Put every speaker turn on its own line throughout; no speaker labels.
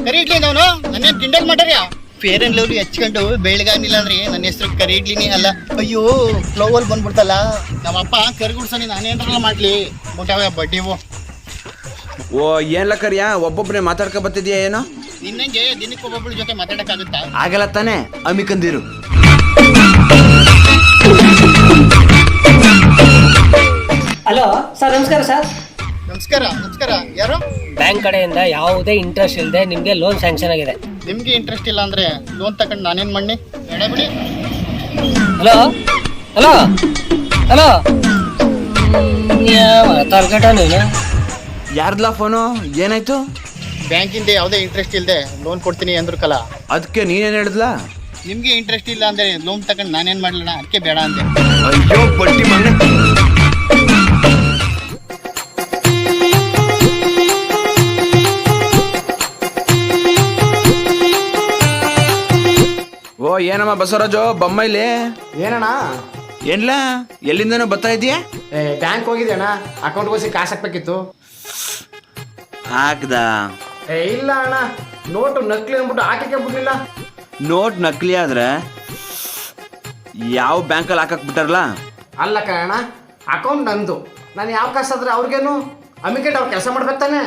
ಕರಿ ಇಡ್ಲಿ ಅವನು ನನ್ನೇನ್ ಕಿಂಡಲ್ ಮಾಡ್ಯಾರ ಫೇರ್ ಅಂಡ್ ಲವ್ಲಿ ಹಚ್ಕೊಂಡು ಬೆಳಗಾಗಿಲ್ಲ ಅಂದ್ರೆ ನನ್ನ ಹೆಸರು ಕರಿ ಇಡ್ಲಿನೇ ಅಲ್ಲ. ಅಯ್ಯೋ ಫ್ಲೋವಲ್ ಬಂದ್ಬಿಡ್ತಲ್ಲ ನಮ್ಮಪ್ಪ ಕರಿಗುಡ್ಸನಿ ನಾನೇನ್ರಲ್ಲ ಮಾಡ್ಲಿ ಮುಟ್ಟಾವ ಬಡ್ಡಿವು.
ಓ ಏನ್ಲ ಕರಿಯಾ ಒಬ್ಬೊಬ್ಬನೇ ಮಾತಾಡ್ಕೊ ಬರ್ತಿದ್ಯಾ ಏನೋ?
ನಿನ್ನಂಗೆ ದಿನಕ್ಕೆ ಒಬ್ಬೊಬ್ಬಳ ಜೊತೆ ಮಾತಾಡಕ್ಕಾಗುತ್ತಾ?
ಆಗಲ್ಲ ತಾನೆ ಅಮಿಕಂದಿರು.
ಹಲೋ ಸರ್, ನಮಸ್ಕಾರ ಸರ್.
ನಮಸ್ಕಾರ ನಮಸ್ಕಾರ. ಯಾರು?
ಬ್ಯಾಂಕ್ ಕಡೆಯಿಂದ ಯಾವುದೇ ಇಂಟ್ರೆಸ್ಟ್ ಇಲ್ಲದೆ ನಿಮಗೆ ಲೋನ್ ಸ್ಯಾಂಕ್ಷನ್ ಆಗಿದೆ.
ನಿಮ್ಗೆ ಇಂಟ್ರೆಸ್ಟ್ ಇಲ್ಲ ಅಂದ್ರೆ ಲೋನ್ ತಗೊಂಡು ನಾನೇನ್ ಮಾಡಿ ಬೇಡ ಬಿಡಿ.
ಹಲೋ ಹಲೋ ಹಲೋ ಮಾತಾಡ್ಕಟ ನೀನು?
ಯಾರ್ದಲ್ಲ ಫೋನು? ಏನಾಯ್ತು?
ಬ್ಯಾಂಕಿಂದ ಯಾವುದೇ ಇಂಟ್ರೆಸ್ಟ್ ಇಲ್ಲದೆ ಲೋನ್ ಕೊಡ್ತೀನಿ ಅಂದ್ರು ಕಲ.
ಅದಕ್ಕೆ ನೀನೇನು ಹೇಳಿದ್ಲ?
ನಿಮ್ಗೆ ಇಂಟ್ರೆಸ್ಟ್ ಇಲ್ಲ ಅಂದ್ರೆ ಲೋನ್ ತಗೊಂಡು ನಾನೇನ್ ಮಾಡ್ಲಣ, ಅದಕ್ಕೆ ಬೇಡ ಅಂದೆ.
ಅಯ್ಯೋ ಬಡ್ಡಿ ಮಗನೇ. ಓ ಏನಮ್ಮ ಬಸವರಾಜು ಬೊಮ್ಮೈಲಿ?
ಏನಣ್ಣ?
ಏನ್ಲ ಎಲ್ಲಿಂದನೋ ಬರ್ತಾ ಇದೀಯಾ?
ಬ್ಯಾಂಕ್ ಹೋಗಿದ್ದೆ ಅಣ್ಣ, ಅಕೌಂಟ್ಗೆ ಹೋಗಿ ಕಾಸು ಹಾಕ್ಬೇಕಿತ್ತು.
ಹಾಕ್ದ?
ಇಲ್ಲ ಅಣ್ಣ, ನೋಟು ನಕಲಿ ಅಂದ್ಬಿಟ್ಟು ಹಾಕಕ್ಕೆ ಬಿಡ್ಲಿಲ್ಲ.
ನೋಟ್ ನಕಲಿ ಆದ್ರೆ ಯಾವ ಬ್ಯಾಂಕಲ್ಲಿ ಹಾಕಕ್ ಬಿಟ್ಟಾರಲ್ಲ?
ಅಲ್ಲ ಕಣ, ಅಕೌಂಟ್ ನಂದು, ನಾನು ಯಾವ ಕಾಸು ಆದ್ರೆ ಅವ್ರಿಗೇನು ಅಮಿಕೆಟ್ ಅವ್ರು ಕೆಲಸ ಮಾಡ್ಬೇಕು ತಾನೆ.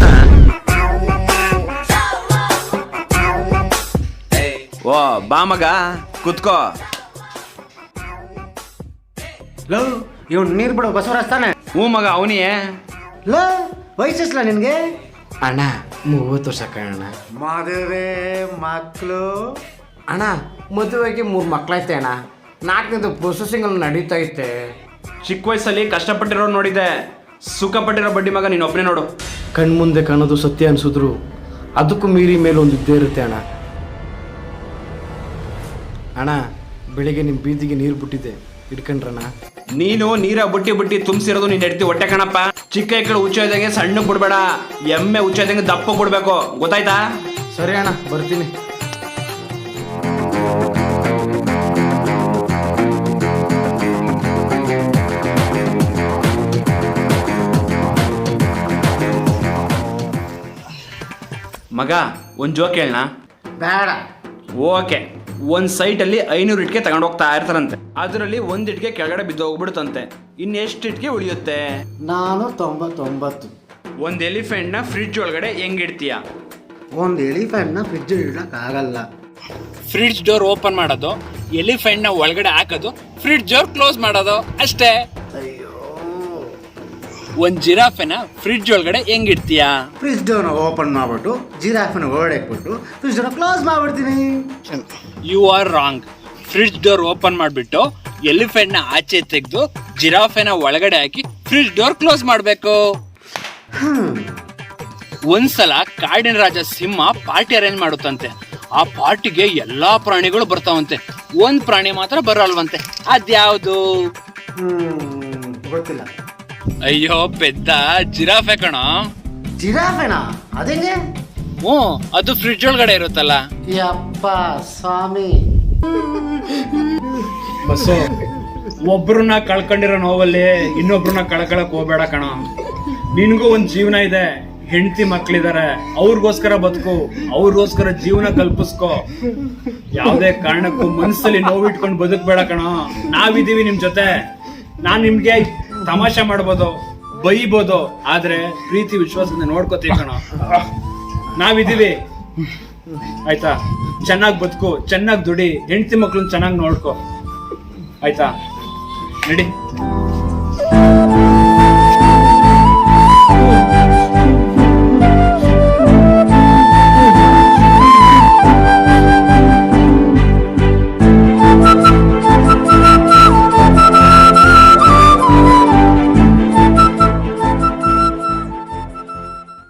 ಓ ಬಾ ಮಗ ಕುತ್ಕೋ.
ಲವ್ ಇವ್ ನೀರು ಬಿಡು ಬಸವರಾಜ್ ತಾನೆ?
ಹ್ಞೂ ಮಗ ಅವನಿಯೇ.
ಲೋ ವಯಸ್ಸಿಲ್ಲ ನಿನಗೆ? ಅಣ್ಣ 30 ವರ್ಷ ಕಣ. ಮದುವೆ ಮಕ್ಕಳು ಅಣ್ಣ, ಮದುವೆಗೆ 3 ಮಕ್ಕಳೈತೆ ಅಣ್ಣ. 4ನೇದು ಪ್ರೊಸೆಸಿಂಗ್ ಅಲ್ಲಿ ನಡೀತಾ ಐತೆ.
ಚಿಕ್ಕ ವಯಸ್ಸಲ್ಲಿ ಕಷ್ಟಪಟ್ಟಿರೋ ನೋಡಿದೆ, ಸುಖ ಪಟ್ಟಿರೋ ಬಡ್ಡಿ ಮಗ ನೀನು ಒಬ್ಬನೇ ನೋಡು.
ಕಣ್ಮುಂದೆ ಕಾಣೋದು ಸತ್ಯ ಅನ್ಸಿದ್ರು ಅದಕ್ಕೂ ಮೀರಿ ಮೇಲೆ ಒಂದು ಇದ್ದೇ ಇರುತ್ತೆ ಅಣ್ಣ. ಅಣ್ಣ ಬೆಳಿಗ್ಗೆ ನಿಮ್ಮ ಬೀದಿಗೆ ನೀರು ಬಿಟ್ಟಿದ್ದೆ, ಹಿಡ್ಕೊಂಡ್ರಣ್ಣ.
ನೀನು ನೀರ ಬುಟ್ಟಿ ಬುಟ್ಟಿ ತುಂಬಿಸಿರೋದು ನೀನು ಹೆಡ್ತಿ ಹೊಟ್ಟೆ ಕಣಪ್ಪ. ಚಿಕ್ಕ ಎಕ್ಕಳು ಉಚ್ಚೋದಂಗೆ ಸಣ್ಣ ಬಿಡ್ಬೇಡ, ಎಮ್ಮೆ ಉಚ್ಚೋದಂಗೆ ದಪ್ಪ ಬಿಡ್ಬೇಕು, ಗೊತ್ತಾಯ್ತಾ?
ಸರಿ ಅಣ್ಣ, ಬರ್ತೀನಿ.
ಮಗ ಒಂದು ಜೋಕ್ ಹೇಳಣ?
ಬೇಡ.
ಓಕೆ. ಒಂದು ಸೈಟಲ್ಲಿ 500 ಇಟ್ಕೆ ತಗೊಂಡು ಹೋಗ್ತಾ ಇರ್ತಾರಂತೆ. ಅದರಲ್ಲಿ 1 ಇಟ್ಕೆ ಕೆಳಗಡೆ ಬಿದ್ದು ಹೋಗ್ಬಿಡುತ್ತಂತೆ. ಇನ್ನೆಷ್ಟು ಇಟ್ಕೆ ಉಳಿಯುತ್ತೆ?
499.
ಒಂದು ಎಲಿಫೆಂಟ್ನ ಫ್ರಿಡ್ಜ್ ಒಳಗಡೆ ಹೆಂಗಿಡ್ತೀಯ?
ಒಂದು ಎಲಿಫೆಂಟ್ನ ಫ್ರಿಡ್ಜ್ ಇಡಕ್ಕಾಗಲ್ಲ.
ಫ್ರಿಡ್ಜ್ ಡೋರ್ ಓಪನ್ ಮಾಡೋದು, ಎಲಿಫೆಂಟ್ನ ಒಳಗಡೆ ಹಾಕೋದು, ಫ್ರಿಡ್ಜ್ ಡೋರ್ ಕ್ಲೋಸ್ ಮಾಡೋದು ಅಷ್ಟೇ.
ಅಯ್ಯೋ.
ಒಂದು ಜಿರಾಫೆನ ಫ್ರಿಡ್ಜ್ ಒಳಗಡೆ ಹೆಂಗಿಡ್ತೀಯಾ?
ಫ್ರಿಡ್ಜ್ ಡೋರ್ನ ಓಪನ್ ಮಾಡ್ಬಿಟ್ಟು ಜಿರಾಫ್ನ ಒಳಗಡೆ ಇಟ್ಬಿಟ್ಟು ಫ್ರಿಡ್ಜ್ ಡೋರ್ನ ಕ್ಲೋಸ್ ಮಾಡ್ಬಿಡ್ತೀನಿ.
You are wrong. Fridge door open ಮಾಡಿಬಿಟ್ಟು ಎಲಿಫೆಂಟ್ನ ಆಚೆ ತೆಗೆದು ಜಿರಾಫೆನ ಒಳಗಡೆ ಹಾಕಿ ಫ್ರಿಡ್ಜ್ ಡೋರ್ ಕ್ಲೋಸ್ ಮಾಡಬೇಕು. ಒಂದ್ಸಲ ಕಾಡಿನ ರಾಜ ಸಿಂಹ ಪಾರ್ಟಿ ಅರೇಂಜ್ ಮಾಡುತ್ತಂತೆ. ಆ ಪಾರ್ಟಿಗೆ ಎಲ್ಲಾ ಪ್ರಾಣಿಗಳು ಬರ್ತಾವಂತೆ, ಒಂದ್ ಪ್ರಾಣಿ ಮಾತ್ರ ಬರಲ್ವಂತೆ. ಅದ್ಯಾವುದು?
ಗೊತ್ತಿಲ್ಲ.
ಅಯ್ಯೋ ಪೆದ್ದ, ಜಿರಾಫೆ ಕಣ.
ಜಿರಾಫೆನಾ? ಅದೇನೆ?
ಹ್ಞೂ, ಅದು ಫ್ರಿಡ್ಜ್ ಒಳಗಡೆ ಇರುತ್ತಲ್ಲ.
ಯಪ್ಪ ಸ್ವಾಮಿ.
ಬಸ್ಸು, ಒಬ್ರನ್ನ ಕಳ್ಕೊಂಡಿರೋ ನೋವಲ್ಲಿ ಇನ್ನೊಬ್ರನ್ನ ಕಳ್ಕೊಳಕ್ ಹೋಗ್ಬೇಡ ಕಣ. ನಿನ್ಗೂ ಒಂದ್ ಜೀವನ ಇದೆ, ಹೆಂಡತಿ ಮಕ್ಳಿದಾರೆ, ಅವ್ರಿಗೋಸ್ಕರ ಬದುಕು, ಅವ್ರಿಗೋಸ್ಕರ ಜೀವನ ಕಲ್ಪಿಸ್ಕೊ. ಯಾವ್ದೇ ಕಾರಣಕ್ಕೂ ಮನ್ಸಲ್ಲಿ ನೋವಿಟ್ಕೊಂಡು ಬದುಕ್ಬೇಡ ಕಣ. ನಾವಿದೀವಿ ನಿಮ್ ಜೊತೆ. ನಾನ್ ನಿಮ್ಗೆ ತಮಾಷೆ ಮಾಡ್ಬೋದು, ಬೈಬೋದು, ಆದ್ರೆ ಪ್ರೀತಿ ವಿಶ್ವಾಸದಿಂದ ನೋಡ್ಕೋತೀವಿ ಕಣ. ನಾವಿದೀವಿ, ಆಯ್ತಾ? ಚೆನ್ನಾಗಿ ಬದುಕು, ಚೆನ್ನಾಗಿ ದುಡಿ, ಹೆಂಡತಿ ಮಕ್ಳನ್ನ ಚೆನ್ನಾಗಿ ನೋಡ್ಕೊ, ಆಯ್ತಾ? ನಡಿ.